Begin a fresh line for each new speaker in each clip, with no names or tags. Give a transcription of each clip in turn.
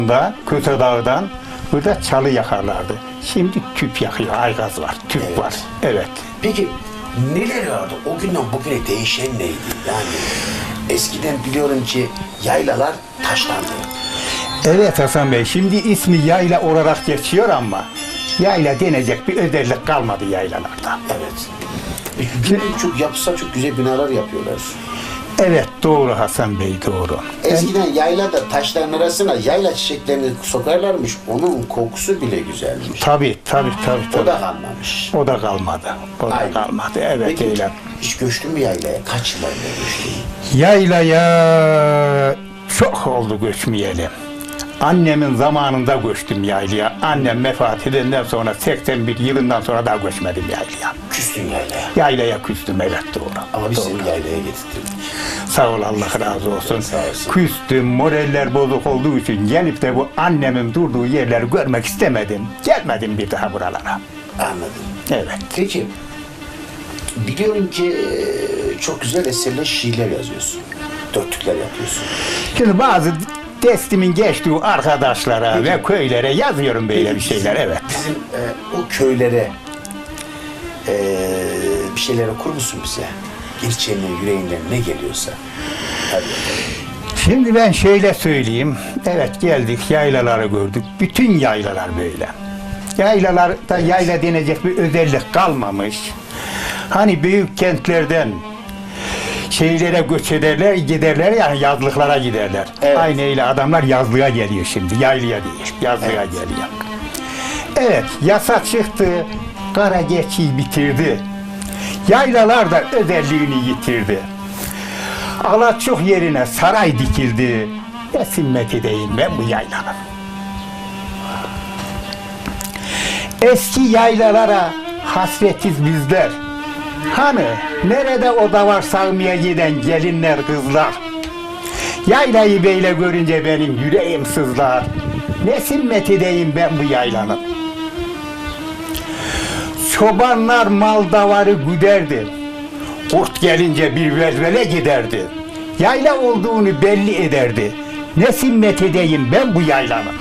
da Köse Dağı'dan burada çalı yakarlardı. Şimdi tüp yakıyor, aygaz var, tüp
Evet.
var. Evet.
Peki neler vardı? O günden bugüne değişen neydi? Yani eskiden biliyorum ki yaylalar taşlandı.
Evet Hasan Bey, şimdi ismi yayla olarak geçiyor ama yayla denecek bir özellik kalmadı yaylalarda.
Evet. Şimdi çok yapısal çok güzel binalar yapıyorlar.
Evet, doğru Hasan Bey, doğru.
Eskiden yaylada taşların arasına yayla çiçeklerini sokarlarmış. Onun kokusu bile güzelmiş.
Tabii.
O da kalmamış.
O da kalmadı. O da
Aynen.
kalmadı. Evet,
Peki,
öyle.
hiç göçtün mü yaylaya? Kaç yıllarında göçtün?
Yaylaya çok oldu göçmeyeli. Annemin zamanında göçtüm yaylaya. Annem vefat edenden sonra 81 yılından sonra daha göçmedim yaylaya.
Küstün yaylaya.
Yaylaya küstüm, evet, doğru.
Ama biz
Doğru.
seni yaylaya getirdik.
Sağ ol, Allah razı olsun.
Sağ olsun.
Küstüm, moraller bozuk olduğu için gelip de bu annemin durduğu yerleri görmek istemedim. Gelmedim bir daha buralara.
Anladım.
Evet.
Peki, biliyorum ki çok güzel eserler, şiirler yazıyorsun. Dörtlükler yapıyorsun.
Şimdi bazı testimin geçtiği arkadaşlara ve köylere yazıyorum böyle bir şeyler, evet.
Bizim o köylere bir şeyler okur musun bize? İlçenin yüreğinden ne geliyorsa. Hadi bakalım.
Şimdi ben şöyle söyleyeyim. Evet, geldik, yaylaları gördük. Bütün yaylalar böyle. Yaylalarda yayla denecek bir özellik kalmamış. Hani büyük kentlerden şehirlere göç ederler, giderler, yani yazlıklara giderler.
Evet.
Aynı öyle adamlar yazlığa geliyor şimdi. Yaylaya değil, yazlığa geliyor. Evet, yasa çıktı. Kara geçiyi bitirdi. Yaylalar da özelliğini yitirdi. Alaçuk yerine saray dikildi. Ne simmet edeyim ben bu yaylanın. Eski yaylalara hasretiz bizler. Hani nerede o davar salmaya giden gelinler kızlar. Yaylayı böyle görünce benim yüreğim sızlar. Ne simmet edeyim ben bu yaylanın. Çobanlar mal davarı güderdi. Kurt gelince bir vezvele giderdi. Yayla olduğunu belli ederdi. Ne simmet edeyim ben bu yaylanın.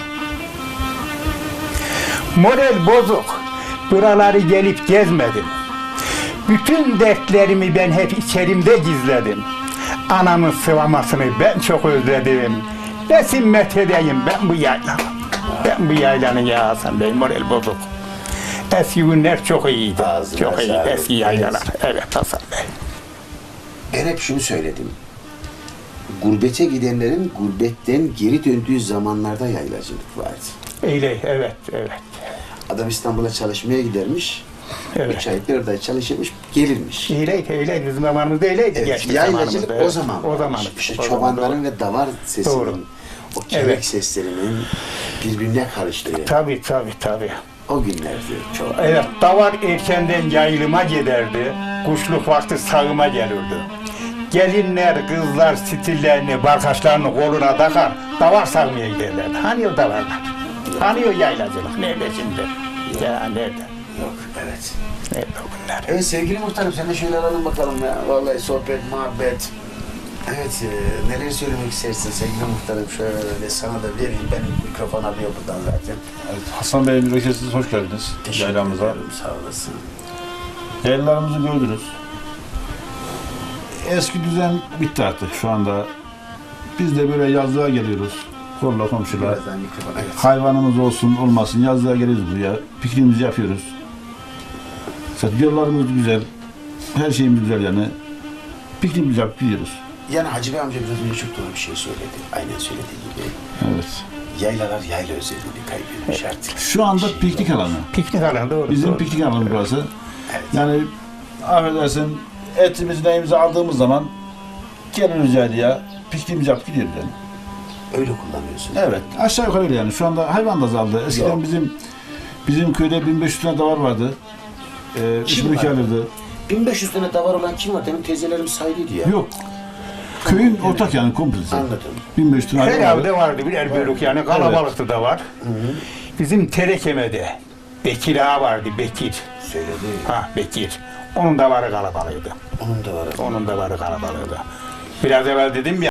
Moral bozuk. Buraları gelip gezmedim. Bütün dertlerimi ben hep içerimde gizledim. Anamın sıvamasını ben çok özledim. Ne simmet edeyim ben bu yaylanın. Ben bu yaylanın ya Hasan Bey, moral bozuk. Eski günler çok iyiydi.
Ağzına
Çok iyi.
sağlık.
Eski yaylalar. Evet Hasan Bey.
Ben hep şunu söyledim. Gurbete gidenlerin gurbetten geri döndüğü zamanlarda yaylacılık vardı.
Öyle, evet.
Adam İstanbul'a çalışmaya gidermiş.
Evet.
3 ay bir orada çalışırmış, gelirmiş.
Öyleydi. Bizim zamanımızda öyleydi.
Evet,
Gençlik
yaylacılık
zamanımızda,
o zaman.
O zaman.
İşte
O zaman,
çobanların ve davar sesinin,
Doğru.
o kelek
Evet.
seslerinin birbirine karıştığı
Tabii.
o günlerdi. Çok.
Evet, davar erkenden yayılıma giderdi. Kuşluk vakti sağıma gelirdi. Gelinler, kızlar stillerini, barkaçlarını koluna takar, davar sağmaya giderlerdi. Hani o davarlar? Hani o yaylacılık? Nerede şimdi? Ya nerede?
Yok, evet.
Nerede o günler?
Evet sevgili muhtarım, sen de şöyle alalım bakalım ya. Vallahi sohbet, muhabbet. Evet, neler söylemek istersin sevgili muhtarım? Şöyle sana da vereyim. Benim mikrofon alıyor buradan zaten.
Evet, Hasan Bey, mürekkesiz hoş geldiniz yaylamıza.
ederim, sağ olasın.
Yaylalarımızı gördünüz. Eski düzen bitti artık şu anda. Biz de böyle yazlığa geliyoruz. Kolla komşular.
Birazdan mikrofon, evet.
Hayvanımız olsun olmasın yazlığa geliyoruz buraya. Pikniğimizi yapıyoruz. İşte yollarımız güzel. Her şeyimiz güzel yani. Pikniğimizi yapıp gidiyoruz.
Yani Hacı Bey amca biraz önce çok doğru bir şey söyledi. Aynen söylediği gibi.
Evet.
Yaylalar yayla özelliğini kaybetmiş artık.
Şu anda
Şey
piknik
yok.
alanı.
Piknik alanı, doğru.
Bizim
doğru.
piknik alanı burası.
Evet.
Yani affedersin etimizi neyimizi aldığımız zaman geliriz yaylaya, pikniğimizi yapıp gidiyoruz yani.
Öyle kullanıyorsun.
Evet, aşağı yukarı öyle yani. Şu anda hayvan da azaldı. Eskiden
Yok.
bizim köyde 1500 tane davar vardı.
Kim
3
var?
alırdı.
1500 tane davar olan kim var? Demin teyzelerim saydıydı ya.
Yok. Köyün ortak yani komplesi.
Anladım.
1500 tane
Her
hayvan
evde
vardı.
vardı birer bölük, yani kalabalıktı da var. Bizim Terekeme'de Bekir Ağa vardı, Bekir.
Söyledi.
Bekir. Onun da varı kalabalıydı.
Onun da var.
Onun da varı kalabalıydı. Biraz evvel dedim ya,